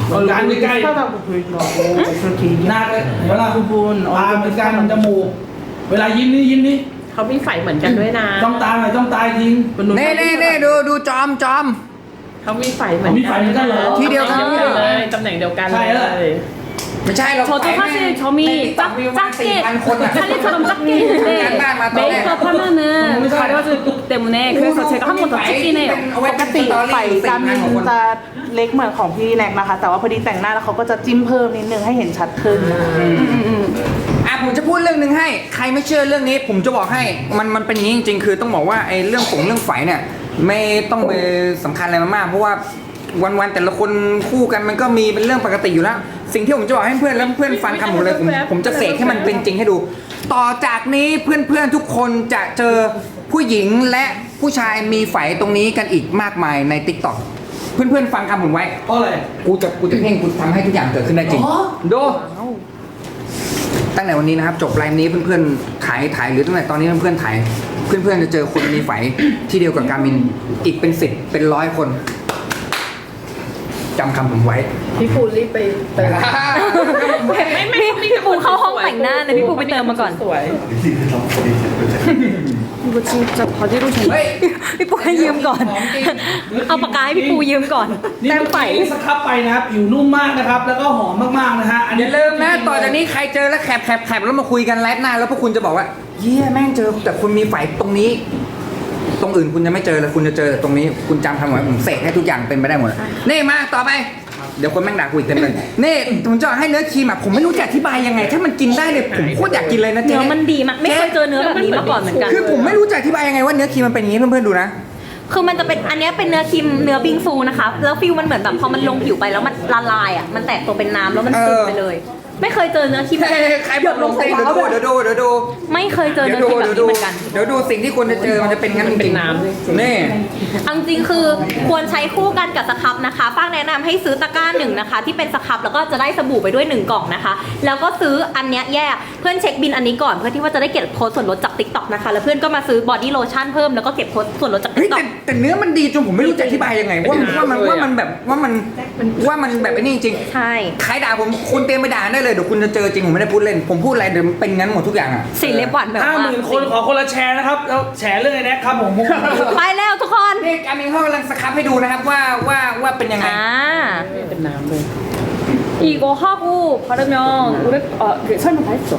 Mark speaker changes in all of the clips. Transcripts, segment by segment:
Speaker 1: ร้านใกล้ๆ
Speaker 2: 비슷하다고 보이더라고. 그렇게
Speaker 1: หน้า
Speaker 2: 얘기하고.
Speaker 1: เลยเห็นไหมล่ะ
Speaker 2: 부분
Speaker 1: ตาเหมือนกันจมูกเวลายิ้มนี่
Speaker 3: เขามีไฝเหมือนกันด้วยนะ
Speaker 1: ต้องตาหน่อยต้องตาทิ้ง
Speaker 4: เน่ดูจอม
Speaker 3: เขามีไฝเหมือน
Speaker 1: มีไฝเหมือนกันเหรอ
Speaker 4: ที่เดียวกัน
Speaker 3: เลยตำแหน่งเดียวกัน
Speaker 1: ใช่
Speaker 3: เล
Speaker 1: แล้ว
Speaker 3: ย
Speaker 4: ไม่ใช่เรา
Speaker 5: 저도 사실 점이 작게 찰리처럼 작게 있는데 메이크업 하면은 가려지기 때문에 그래서 제가 한 번 더 찍긴 해요.
Speaker 2: ปกติไฝการมินจะเล็กเหมือนของพี่แน็กนะคะ แต่ว่าพอดีแต่งหน้าแล้วเขาก็จะจิ้มเพิ่มนิดนึงให้เห็นชัดขึ้น
Speaker 4: ผมจะพูดเรื่องหนึ่งให้ใครไม่เชื่อเรื่องนี้ ผมจะบอกให้มันเป็นอย่างนี้จริงๆคือต้องบอกว่าไอ้เรื่องไฝเนี่ยไม่ต้องไปสำคัญอะไรมากเพราะว่าวันๆแต่ละคนคู่กันมันก็มีเป็นเรื่องปกติอยู่แล้ว สิ่งที่ผมจะบอกให้เพื่อนแล้วเพื่อนฟังคำผมเลยผมจะเสกให้มันเป็นจริงให้ดู ต่อจากนี้เพื่อนๆทุกคนจะเจอผู้หญิงและผู้ชายมีไฝตรงนี้กันอีกมากมายใน TikTok เพื่อนๆฟังคำผมไว้
Speaker 1: เพราะอะไร
Speaker 4: กูจะเพ่งกูทำให้ทุกอย่างเกิดขึ้นได้จริงดูตั้งแต่วันนี้นะครับจบไลฟ์นี้เพื่อนๆถ่ายหรือตั้งแต่ตอนนี้เพื่อนๆถ่ายเพื่อนๆจะเจอคนมีไฝที่เดียวกับการมินอีกเป็น10เป็น100คนจำคำผมไว้
Speaker 3: พี่ปูรีบไป
Speaker 5: พี่ปูเข้าห้องแต่งหน้าเลยพี่ปูไปเติมมาก่อน
Speaker 3: สวย
Speaker 5: 이거 진짜 바디로션
Speaker 4: เฮ้ย
Speaker 5: พี่ปูให้ยืมก่อน เอาปากกาให้พี่ปูยืมก่อน
Speaker 1: นี่
Speaker 5: แต้มไฝ
Speaker 1: สครับไปนะครับผิวนุ่มมากนะครับ แล้วก็หอมมากๆนะฮะอัน
Speaker 4: อ
Speaker 1: นี้
Speaker 4: ย่าลืมนะต่อจากนี้ใครเจอแล้วแคปแล้วมาคุยกันไลฟ์หน้าแล้วพวกคุณจะบอกว่าเยี่ยแม่งเจอแต่คุณมีไฝตรงนี้ ตรงอื่นคุณจะไม่เจอเลยคุณจะเจอแต่ตรงนี้คุณจำคำไว้ผมเสกให้ทุกอย่างเป็นไปได้หมดนี่มาต่อไปเดี๋ยวคนแม่งด่ากูอีกเต็มเลยนี่ผมจะให้เนื้อครีมผมไม่รู้จะอธิบายยังไง ถ้ามันกินได้เลยผมโคตรอยากกินเลยนะเจ๊
Speaker 5: เนื้อมันดีมากไม่เคยเจอเนื้อแบบนี้มาก่อนเหมือนกัน
Speaker 4: คือผมไม่รู้จะอธิบายยังไงว่าเนื้อครีมมันเป็นอย่างนี้เพื่อนๆดูนะ
Speaker 5: คือมันจะเป็นอันเนี้ยเป็นเนื้อครีมเนื้อบิงซูนะคะ แล้วฟิลมันเหมือนแบบพอมันลงผิวไปแล้วมันละลายอ่ะมันแตกตัวเป็นน้ำแล้วมันซึมไปเลย ไม่เคยเจอเนื้อครีมแบบ
Speaker 4: ใครบอกลงใส่เดี๋ยวดู
Speaker 5: ไม่เคยเจอเนื้อครีมแบบนี้เหมือนกัน
Speaker 4: เดี๋ยวดูสิ่งที่คุณจะเจอมันจะเป็นงั้นจริงๆนี่
Speaker 5: เอาจริงๆคือควรใช้คู่กันกับสครับนะคะป้างแนะนำให้ซื้อตะกร้าหนึ่งนะคะ ที่เป็นสครับแล้วก็จะได้สบู่ไปด้วย1กล่องนะคะ แล้วก็ซื้ออันเนี้ยแยกเพื่อนเช็คบินอันนี้ก่อนเพื่อที่ว่าจะได้เก็บโค้ดส่วนลดจาก TikTok นะคะแล้วเพื่อนก็มาซื้อบอดี้โลชั่นเพิ่มแล้วก็เก็บโค้ดส่วนลดจาก
Speaker 4: เฮ้ย
Speaker 5: TikTok
Speaker 4: แต่เนื้อมันดีจนผมไม่รู้จะอธิบายยังไงว่ามันแบบว่ามันแบบไอ้นี่จริง
Speaker 5: ใช่
Speaker 4: ใครด่าผมคุณเตรียมไปด่าได้เลยเดี๋ยวคุณจะเจอจริงผมไม่ได้พูดเล่นผมพูดอะไรเดี๋ยวเป็นงั้นหมดทุกอย่างอ่ะ
Speaker 5: สีเล็บหวานแบบ
Speaker 1: 50,000 คนขอคนละแชร์นะครับแล้วแชร์เรื่องไอ้แน็กครับผม
Speaker 5: ไปแล้วทุกคน
Speaker 4: นี่การมินเขากำลังสครับให้ดูนะครับว่าเป็นยังไง
Speaker 3: เป็นน้ำเลย
Speaker 5: 이거 하고 바르면 오래 그 설명 다 했어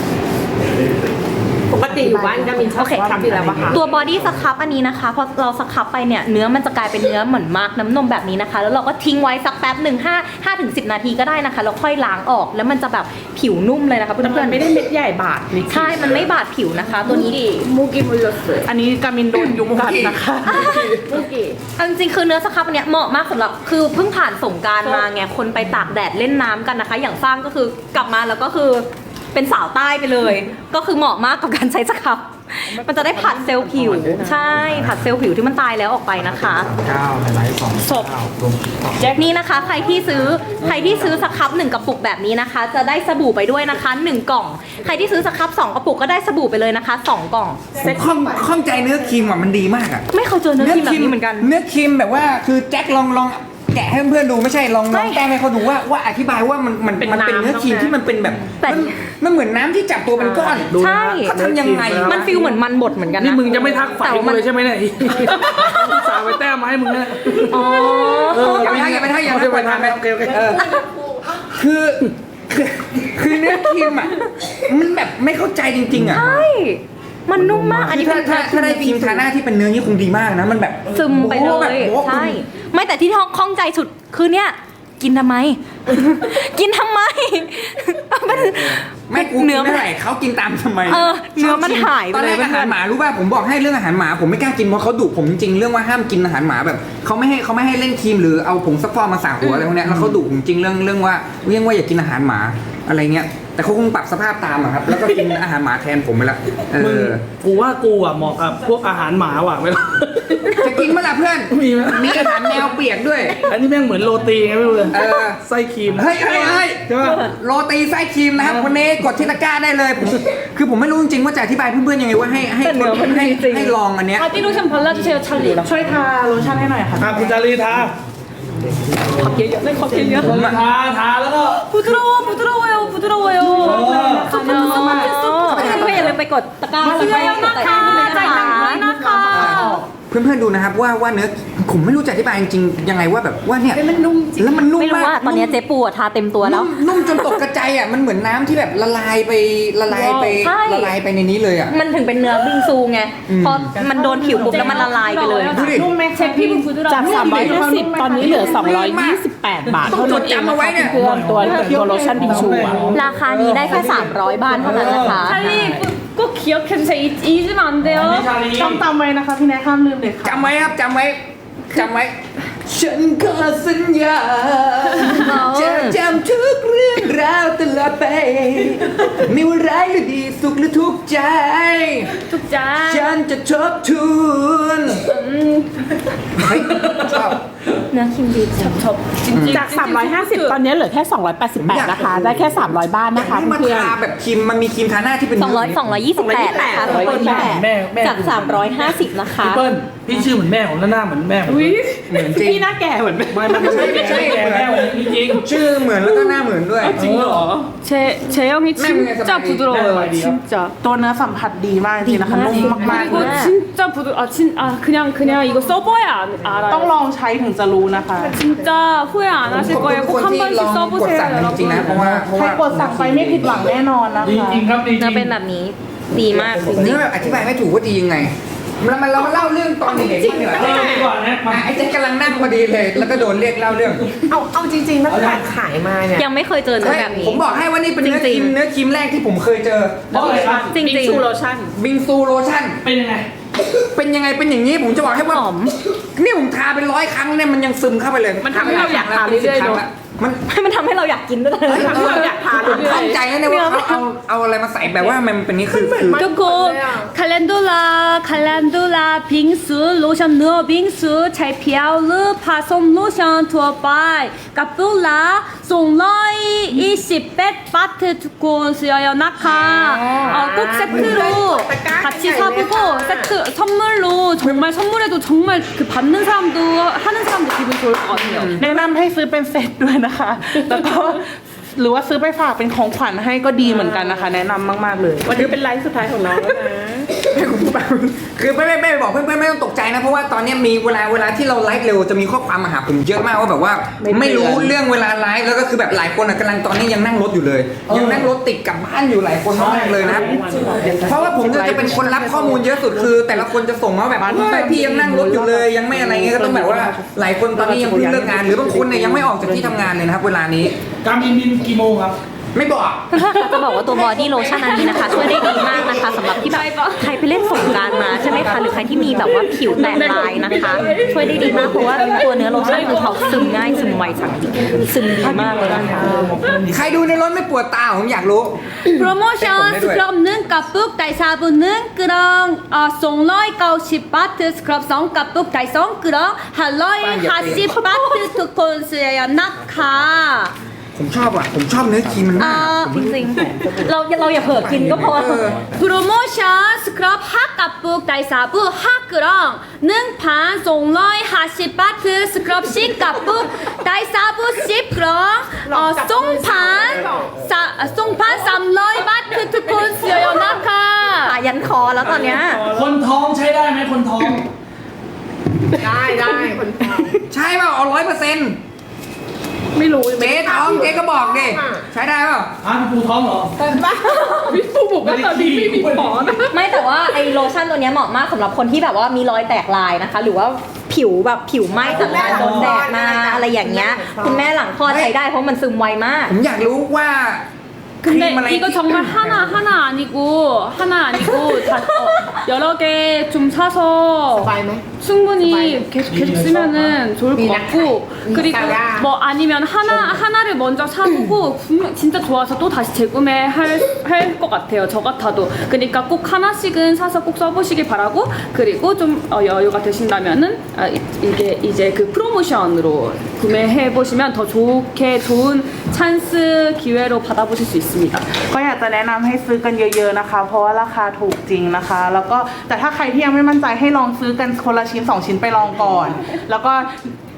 Speaker 3: ปกติอยู่บ้านก็มีชอบทำอยู่แล้วปะคะ
Speaker 5: ตัวบอดี้สครับอันนี้นะคะพอเราสครับไปเนี่ยเนื้อมันจะกลายเป็นเนื้อเหมือนมาร์กน้ำนมแบบนี้นะคะ แล้วเราก็ทิ้งไว้สักแป๊บหนึ่ง5 ถึง 10 นาทีก็ได้นะคะแล้วค่อยล้างออกแล้วมันจะแบบผิวนุ่มเลยนะคะเพื่
Speaker 3: แต่มั
Speaker 5: อน
Speaker 3: นไม่ได้เม็ดใหญ่บาดนี่
Speaker 5: ๆใช่มันไม่บาดผิวนะคะ ตัวนี้
Speaker 3: มูกิบุลสวย
Speaker 2: อันนี้กามินโดนยุงกัดนะคะ
Speaker 3: มูกิ
Speaker 5: เอาจริงๆคือเนื้อสครับอันเนี้ยเหมาะมากสำหรับคือเพิ่งผ่านสงกรารมาไงคนไปตากแดดเล่นน้ำกันนะคะ อย่างสร้างก็คือกลับมาแล้วก็คือเป็นสาวใต้ไปเลย ก็คือเหมาะมากกับการใช้สครับมันจะได้ผัดเซลล์ผิวใช่ผัดเซลล์ผิวที่มันตายแล้วออกไปนะคะ
Speaker 1: 9ไลฟ์2
Speaker 5: ศพนี่นะคะใครที่ซื้อสครับ1กระปุกแบบนี้นะคะ จะได้สบู่ไปด้วยนะคะ1กล่องใครที่ซื้อสครับ2กระปุกก็ได้สบู่ไปเลยนะคะ2กล่อง
Speaker 4: ผมข้องใจเนื้อครีมมันดีมากอ่ะ
Speaker 5: ไม่เคยเจอเนื้อครีมแบบนี้เหมือนกัน
Speaker 4: เนื้อครีมแบบว่าคือแจ็คลองแกะให้เพื่อนๆดูไม่ใช่ลองแก้ให้เขาดูว่าอธิบายว่ามันเป็นเนื้อครีมที่มันเป็นแบบ
Speaker 5: แต่
Speaker 4: มันเหมือนน้ำที่จับตัวเป็นก้อน
Speaker 5: ใช่
Speaker 4: เขาทำยังไง
Speaker 5: มันฟีลเหมือนมันบดเหมือนกันนะ
Speaker 1: นี่มึงจะไม่ทักฝ่าย
Speaker 5: แต่ว่า
Speaker 1: กูเลยใช่ไหมเนี่ยสาวไปแต้มมาให้มึงเนี่ย
Speaker 5: อ๋อ
Speaker 4: อย่าไปทักอย่าไปทัก
Speaker 1: โอเค
Speaker 4: คือเนื้อครีมอ่ะมันแบบไม่เข้าใจจริงๆอ่ะ
Speaker 5: ใช่มันนุ่มมากอันนี้เป็น
Speaker 4: ถ้าได้ครีมทาหน้าที่เป็นเนื้อนี่คงดีมากนะมันแบบ
Speaker 5: ซึมไปเล
Speaker 4: โอ้โหแบบ
Speaker 5: ย
Speaker 4: โอ้โห
Speaker 5: ใช่ไม่แต่ที่ข้องใจสุดคือเนี่ยกินทำไม กินทำไมมัน
Speaker 4: ไม่กู
Speaker 5: เนื้อ
Speaker 4: ไม่ไหร่เขากินตามทำไม
Speaker 5: เนื้อมันหายไป
Speaker 4: ตอน
Speaker 5: เล
Speaker 4: แร
Speaker 5: ย
Speaker 4: กอาหารหมารู้ป่ะผมบอกให้เรื่องอาหารหมาผมไม่กล้ากินเพราะเขาดุผมจริงๆเรื่องว่าห้ามกินอาหารหมาแบบเขาไม่ให้เล่นครีมหรือเอาผงซักฟอกมาสระหัวอะไรพวกเนี้ยแล้วเขาดุผมจริงเรื่องว่าอย่ากินอาหารหมาอะไรเงี้ยแต่เขาคงปรับสภาพตามอะครับแล้วก็กินอาหารหมาแทนผมไปละ
Speaker 1: มึงกูว่ากูอ่ะเหมาะกับพวกอาหารหมาว่ะเวลา
Speaker 4: จะกินเมื่อไหร่เพื่อน
Speaker 1: มีไหม
Speaker 4: มีอาหารแมวเปียกด้วย
Speaker 1: อันนี้แม่งเหมือนโรตีไงไม่รู้เลย
Speaker 4: เออ
Speaker 1: ไส้ครีม
Speaker 4: เฮ้ย
Speaker 1: ใช่ป่ะ
Speaker 4: โรตีไส้ครีมนะครับวันนี้กดที่ตะกร้าได้เลยคือผมไม่รู้จริงๆว่าจะอธิบายเพื่อนๆยังไงว่าให้ลองอันเนี้ย
Speaker 5: 바디로션 발라주세요 찰리
Speaker 2: ช่วยทาโลชั่นให้หน่อยค่ะ
Speaker 1: คุณจารีทา
Speaker 3: 밥 예요. 네, 밥 예요.
Speaker 1: ทาแล้วก็
Speaker 3: 부드러워요. 부드러워요.
Speaker 5: ก็อย่าลืมไปกดตะกร้าแล้วก็กดใจนะคะ
Speaker 4: เพื่อนๆดูนะครับว่าเนื้อผมไม่รู้จะอธิบายจริงๆยังไงว่าแบบว่าเนี่ย
Speaker 3: มันนุ่มจริง
Speaker 4: แล้วมันนุ่ม
Speaker 5: ไม่รู้
Speaker 4: มาก
Speaker 5: ว่าตอนนี้เจ๊ปูอะทาเต็มตัวแล้ว
Speaker 4: นุ่มจนตกกระจายอ่ะมันเหมือนน้ำที่แบบละลายไป
Speaker 5: ใช่
Speaker 4: ละลายไปในนี้เลยอ่ะ
Speaker 5: มันถึงเป็นเนื้อบิงซูไงพอมันโดนผิวปุ๊บแล้วมันละลายไปเลย
Speaker 4: ดูดิ
Speaker 2: นุ่มไหม
Speaker 3: 제 피부 부드러워.
Speaker 6: จาก 350 ตอนนี้เหลือ 228 บาทเท่านั้นเองนะคะเพื่อนๆตัวโลชั่นบิงชูอะ
Speaker 5: ราคานี้ได้แค่ 300 บาทเท่านั้นนะคะ
Speaker 3: 찰리 꼭 기억해주세요. 잊으면 안 돼요.
Speaker 2: ต้องจำไว้นะคะพี่แนทห้ามลืมเด็ดขาด
Speaker 4: จำไว้ครับจำไว้ฉันขอสัญญาจะจำทุกเรื่องราวตลอดไปไม่ว่าร้ายหรือดีสุขหรือทุกข์ใจ
Speaker 3: tuk자.
Speaker 4: ฉันจะทบทวนเฮ้ยชอบ
Speaker 5: เนื้อครีมดีจัง
Speaker 6: จาก 350 ตอนนี้เหลือแค่ 288 นะคะ ได้แค่ 300 บ้านนะคะ
Speaker 4: นี่มัน
Speaker 6: เพื่อน
Speaker 4: ทาแบบครีมมันมีครีมทาหน้าที่เป็น
Speaker 5: 228นะคะ
Speaker 1: แม่แม่
Speaker 5: จาก 350 นะคะ
Speaker 1: พี่เปิ้ลพี่ชื่อเหมือนแม่ผมแล้วหน้าเหมือนแม่ผม
Speaker 4: เหมือนจริง
Speaker 6: พี่หน้าแก่เหมือน
Speaker 1: ไม่มันไม่ใช่แก่แม่ผมจริง
Speaker 4: ชื่อเหมือนแล้วก็หน้าเหมือนด้วย
Speaker 1: จริงเหรอ
Speaker 3: 제형이 진짜
Speaker 1: 네,
Speaker 3: 부드러워요.
Speaker 1: 네,
Speaker 3: 진짜.
Speaker 2: ตัวเนื้อสัมผัสดีมากจริงๆนะคะนุ่มมากๆ
Speaker 3: 그리고 진짜 그냥 이거 써봐야 알아요.
Speaker 2: ต้องลองใช้ถึงจะรู้นะคะ
Speaker 3: 진짜 후회 안 하실
Speaker 4: ขอบคุณ
Speaker 3: 거예요.
Speaker 4: ทุก
Speaker 3: 꼭
Speaker 4: คน
Speaker 3: 한
Speaker 4: ที่ลอง
Speaker 3: 번씩
Speaker 4: กด
Speaker 3: 써보세요,
Speaker 4: สั่งจริงๆนะ
Speaker 3: 여러분.
Speaker 4: เพราะว่า
Speaker 2: ใครกดสั่งไปไม่ผิดหวังแน่นอนนะ
Speaker 1: ดี
Speaker 2: คะ
Speaker 1: จริงครับดีจริ
Speaker 5: เนื้อง เป็นแบบนี้ดีมากจ
Speaker 4: ผม
Speaker 5: ริ
Speaker 4: นี่
Speaker 5: ง
Speaker 4: แบบอธิบายไม่ถูกว่าดียังไงเรามาเล่าเรื่องตอนเด็กๆบ้างดีกว่า
Speaker 1: เออดีกว่านะมา
Speaker 4: ไอ้เจ๊กำลังนั่งพอดีเลย แล้วก็โดนเรียกเล่าเรื่อง
Speaker 6: เอาจริงๆตั้งแต่ขายมาเนี่ย
Speaker 5: ๆ ยังไม่เคยเจอเนื้อ
Speaker 4: เฮ้ย
Speaker 5: แบบนี้
Speaker 4: ผมบอกให้ว่านี่เป็นเนื้อครีมเนื้อครีมแรกที่ผมเคยเจอ
Speaker 1: เพราะอะไรครับ
Speaker 5: จริง
Speaker 6: บิงซูโลชั่น
Speaker 4: บิงซูโลชั่น
Speaker 1: เป็นยังไง
Speaker 4: เป็นยังไงเป็นอย่างนี้ผมจะบอกให้ว่านี่ผมทาเป็น100 ครั้งเนี่ยมันยังซึมเข้าไปเลย
Speaker 6: มันทำให้เราอยากทาเรื่อยๆ
Speaker 4: ครั้ง
Speaker 6: เนอะ
Speaker 4: ละมัน
Speaker 5: มันทำให้เราอยากกินด้วย
Speaker 6: ทำให้เราอยากทาน
Speaker 4: ผมเข้าใจนะเนี่ยว่าเขาเอาอะไรมาใส่แบบว่ามันเป็นนี่คือ
Speaker 3: 그리고 칼렌돌라 빙수 로션 누어 빙수 찰피아우르 파솜 로션 투어바이 까뿔라 송러이 20백 바트 두콘 쓰여요 나카 꼭 세트로 같이 사보고 세트 선물로 정말 선물해도 정말 그 받는 사람도 하는 사람도 기분 좋을 것 같아요.
Speaker 2: แนะนำให้ซื้อเป็นเซตด้วยนะคะ แล้วก็หรือว่าซื้อไปฝากเป็นของขวัญให้ก็ดีเหมือนกันนะคะ แนะนำมากๆเลย
Speaker 6: วันนี้เป็นไลฟ์สุดท้ายของน้องแล้วนะ
Speaker 4: คือไม่บอกเพื่อนๆไม่ต้องตกใจนะเพราะว่าตอนนี้มีเวลาที่เราไลฟ์เร็วจะมีข้อความมาหาผมเยอะมากว่าแบบว่าไม่รู้เรื่องเวลาไลฟ์แล้วก็คือแบบหลายคนกำลังตอนนี้ยังนั่งรถอยู่เลย ยังนั่งรถติดกลับบ้านอยู่หลายคนมากเลยนะเพราะว่าผมจะเป็นคนรับข้อมูลเยอะสุดคือ แต่ละคนจะส่งมาแบบพี่ยังนั่งรถอยู่เลย ยังไม่อะไรเงี้ยก็ต้องแบบว่าหลายคนตอนนี้ยังเพิ่งเลิกงานหรือบางคนเนี่ยยังไม่ออกจากที่ทำงานเลยนะครับเวลานี้
Speaker 1: การบินกี่โมงครับ
Speaker 4: ไม่บอก
Speaker 5: จะบอกว่าตัวบอดี้โลชั่นอันนี้นะคะ ช่วยได้ดีมากนะคะสำหรับที่แบบใครไปเล่นสงกรานต์มาใช่ไหมคะหรือใครที่มีแบบว่าผิวแตกลายนะคะ ช่วยได้ดีมากเพราะว่าตัวเนื้อโลชั่นคือเขาซึมง่ายซึมไวจังซึมดีมากเลยนะคะ
Speaker 4: ใครดูในรถไม่ปวดตาผมอยากรู้
Speaker 3: 프로모션 스크럽는 까북 달사부는 끄렁 송러이 90바트 스크럽 성 까북 달성 끄렁 할로이 40바트 투콘 쓰여요 나카
Speaker 4: ผมชอบอ่ะผมชอบเนื้อครีมมันมาก
Speaker 5: จริงๆเราอย่าเผลอกินก็พอ
Speaker 3: 프로모션 스크럽 핫까북 달사부 핫끄렁 능판 송러이 40바트 스크럽 씩까북 달사부 씩끄렁 송판 300바트 투콘 쓰여요 나카
Speaker 5: ขายันคอแล้วตอนเนี้ย
Speaker 1: คนท้องใช้ได้ไหมคนท้อง
Speaker 6: ได้คนทำ
Speaker 4: ใช่เปล่าเอา100%
Speaker 6: ไม่รู้
Speaker 4: เจ๊ท้องเจ๊ก็บอกดิใช้ได้เปล่า
Speaker 1: อ้าวปูท้องเหรอ
Speaker 6: พี่ปูบอกว่าตอนนี้ไม่มีหมอนะ
Speaker 5: ไม่แต่ว่าไอโลชั่นตัวเนี้ยเหมาะมากสำหรับคนที่แบบว่ามีรอยแตกลายนะคะ หรือว่าผิวแบบผิวไหม้จากการโดนแดดมาอะไรอย่างเงี้ยคุณแม่หลังคลอดใช้ได้เพราะมันซึมไวมาก
Speaker 4: ผมอยากรู้ว่าครีมอะไร
Speaker 3: 근데 이거 정말 하나 아니고 다 여러 개 좀 사서
Speaker 6: สบายไหม
Speaker 3: 충분히 계속 쓰면은 좋을 것 같고 그리고 뭐 아니면 하나를 먼저 사보고 진짜 좋아서 또 다시 재구매할 것 같아요. 저 같아도 그러니까 꼭 하나씩은 사서 꼭 써보시길 바라고 그리고 좀 여유가 되신다면은 이게 이제 그 프로모션으로 구매해 보시면 더 좋은 찬스 기회로 받아보실 수 있습니다.
Speaker 2: ก็อยากจะแนะนำให้ซื้อกันเยอะๆนะคะ เพราะว่าราคาถูกจริงนะคะ แล้วก็แต่ถ้าใครที่ยังไม่มั่นใจให้ลองซื้อกันคนละชิ้น2 ชิ้นไปลองก่อน แล้วก็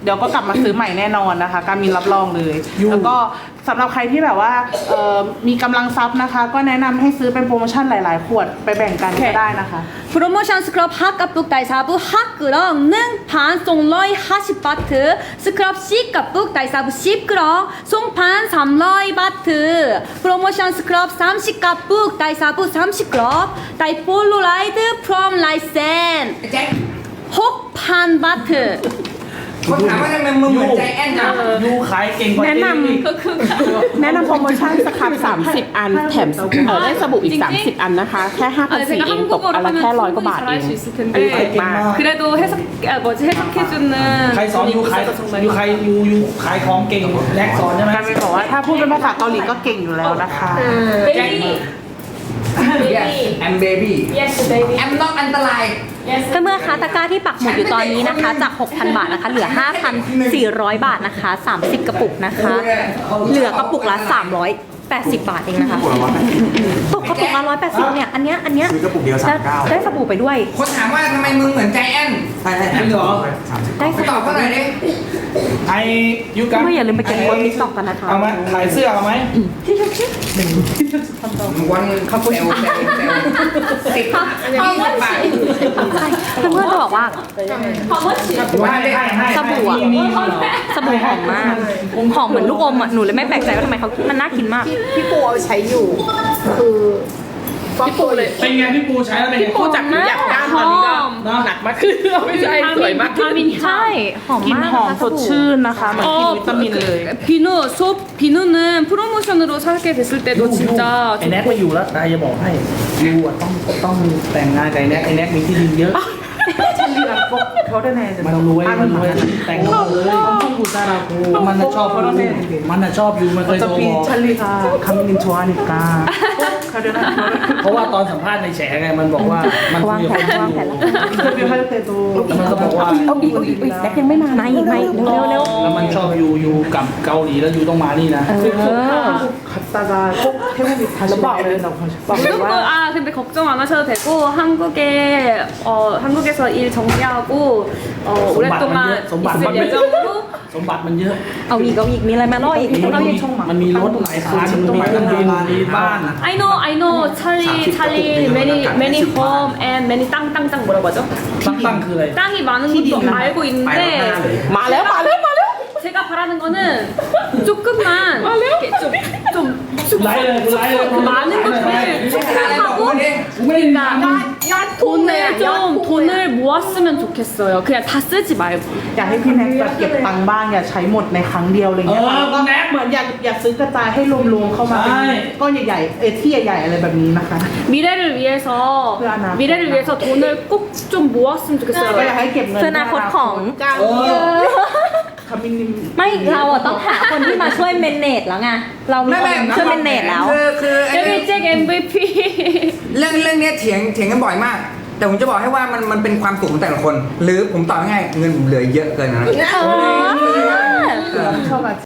Speaker 2: เดี๋ยวก็กลับมาซื้อใหม่แน่นอนนะคะการมินรับรองเลย แล้วก็สำหรับใครที่แบบว่ามีกำลังทรัพย์นะคะ ก็แนะนำให้ซื้อเป็นโปรโมชั่นหลายๆ ขวดไปแบ่งกันก็ได้นะคะ
Speaker 3: 프로모션 스크럽 핫값북 다이사부 핫그렁 능 반송러이 하십바트 스크럽 C값북 다이사부 10그렁 송판 300바트 프로모션 스크럽 30값북 다이사부 30그렁 다이폴로라이드 프롬 라이센
Speaker 4: แจ็ค
Speaker 3: 혹판바트
Speaker 4: คนถามว่าทำไมมึงเหมือนใจแอนจัง
Speaker 1: ยูขายเก่งกว่า
Speaker 6: แนะนำ
Speaker 1: อีก
Speaker 6: แนะนำโปรโมชั่นสครับ30 อันแถมได้สบู่อีก 30 อันนะคะ แค่
Speaker 3: 아니
Speaker 6: 5,400
Speaker 3: 제가
Speaker 6: เองตกอั
Speaker 3: 한국어로
Speaker 6: นละ
Speaker 3: 하면
Speaker 6: แค่100 กว่าบาท
Speaker 3: 충분히
Speaker 6: เอง
Speaker 3: 잘할 수 있을
Speaker 6: อันนี้
Speaker 3: 텐데
Speaker 6: ถูกมาก
Speaker 3: 그래도 해석해주는
Speaker 1: ใครสอนยูขาย
Speaker 3: 정말
Speaker 1: ยูขายยูขายของเก่งแลกสอนใช่ไหม
Speaker 2: การมินบอกว่าถ้าพูดเป็นภาษาเกาหลีก็เก่งอยู่แล้วนะคะ
Speaker 3: 베이비
Speaker 4: yes I'm baby
Speaker 3: yes baby
Speaker 4: I'm not อันตราย
Speaker 5: เพื่อนๆคะตะกร้าที่ปักหมุดอยู่ตอนนี้นะคะ จาก 6,000 บาทนะคะ เหลือ 5,400 บาทนะคะ 30 กระปุกนะคะ เหลือกระปุกละ 380 บาทเองนะคะตกกระปุกละ180เนี่ย อันเนี้ย
Speaker 7: ซื้อกระปุกเดียว39
Speaker 5: ได้สบู่ไปด้วย
Speaker 4: คนถามว่าทำไมมึงเหมือนใจแอน
Speaker 1: จริงเหรอ
Speaker 5: ได้ส
Speaker 4: ตอบ
Speaker 5: บู่
Speaker 4: เขาหน่อยดิ
Speaker 1: ไอยูกัน
Speaker 5: ก็อย่าลืมไปเก็บคนมิสต็อกกันนะคะ
Speaker 1: เอาไหมขายเสื้อเอาไหม
Speaker 4: วันเขาเซล10 10 บาท
Speaker 5: ใช่เพื่อนๆจะบอกว่า
Speaker 4: ว่าได้
Speaker 5: สบู่อะ สบู่หอมมาก หอมเหมือนลูกอมอ่ะ หนูเลยไม่แปลกใจว่าทำไมเขามันน่ากินมาก
Speaker 6: พี่ปูเอาใช้อยู่ คือพี่ปูเลย
Speaker 1: เป็นไงพี่ปูใช้แล้วเป็นไง
Speaker 6: ปูจากอยากก้านตอนนี้ก็หนักมากขึ้นไม่ใช่สวยมากขึ้น
Speaker 3: 비타민
Speaker 5: ใช่ หอม
Speaker 2: กลิ่น
Speaker 5: มาก
Speaker 2: หอม
Speaker 5: นะคะ
Speaker 2: สดชื่นนะคะเหมือนกินวิตามินเลย
Speaker 3: 비누 소 비누는 프로모션으로 사게 됐을 때도 진짜
Speaker 1: ไอแน็กไม่อยู่แล้วนายจะบอกให้ยูอะต้องแต่งงานกับไอแน็กมีที่ดินเยอะ
Speaker 2: 찰리랑 꼭 결혼해야 된다.
Speaker 1: มันรวยมันรวยแต่งงานเลย
Speaker 2: 엄청 부자라고.
Speaker 1: มันน่ะชอบ
Speaker 2: 꼭
Speaker 1: ยู
Speaker 2: 결혼해야 돼.
Speaker 1: มันน่ะชอบยูมันเคยโทร
Speaker 2: 어차피
Speaker 1: บอก
Speaker 2: 찰리가 감님 좋아하니까 꼭 결혼하는
Speaker 1: เพราะว่าตอนสัมภาษณ์ในแฉไงมันบอกว่ามันคุยกับคนอยู่
Speaker 2: 인터뷰 할 때도
Speaker 1: แล้วมันก็บอกว่า
Speaker 6: เอาอีกแน็กยังไม่มา
Speaker 5: ไม่เร็ว
Speaker 1: แล้วมันชอบยูกลับเกาหลีแล้วยูต้องมานี่นะ
Speaker 2: 갔다가 꼭 태국에 다시 와야 된다고 하셨어요.
Speaker 3: 한국 근데 걱정 안 하셔도 되고 한국에서 일 정리하고 오랫동안 있을 예정으로
Speaker 1: สมบัติมันเยอะ
Speaker 5: เอาอีกมีอะไรมาล่ออีก
Speaker 1: มันมีรถหลายคันมันมีเครื่องบินมีบ้าน
Speaker 3: I know 찰리 many home and many 땅 뭐라고 하죠?
Speaker 1: ตั้งคืออะไร
Speaker 3: 땅이 많은 것도 알고 있는데
Speaker 6: มาแล้ว
Speaker 3: 제가 바라는 거는 조금만 이렇게 좀
Speaker 1: ไล่เลยไล่เลย
Speaker 3: 많은 것들을 축하하고
Speaker 1: ไม่ได้
Speaker 3: 돈을 모았으면 좋겠어요. 그냥 다 쓰지 말고.
Speaker 2: อยากให้พี่แน็กแบบเก็บตังค์บ้างอย่าใช้หมดในครั้งเดียวอะไรเงี้ยแล้วก็เหมือนอยากซื้อกระจายให้รวมๆเข้ามาเป็นก้อนใหญ่ๆที่ใหญ่ๆอะไรแบบนี้นะคะ
Speaker 3: 미래를 위해서 돈을 꼭 좀 모았으면
Speaker 2: ก็
Speaker 3: 좋겠어요.
Speaker 2: อยากให้เก็บเงิน
Speaker 5: เพื่ออนาคตของ
Speaker 2: คามินิม
Speaker 5: ไม่เราอะต้องหาคนที่มาช่วยเมนเนจแล้วไง เรามีคนช่วยเมนเนจแล้ว
Speaker 4: คือไอ้
Speaker 3: 데뷔잭 MVP.
Speaker 4: เรื่องเนี้ยเถียงกันบ่อยมาก แต่ผมจะบอกให้ว่ามันเป็นความสุขของแต่ละคน หรือผมตอบง่ายๆเงินผมเหลือเยอะเกินนะ
Speaker 5: เออ
Speaker 2: ชอบ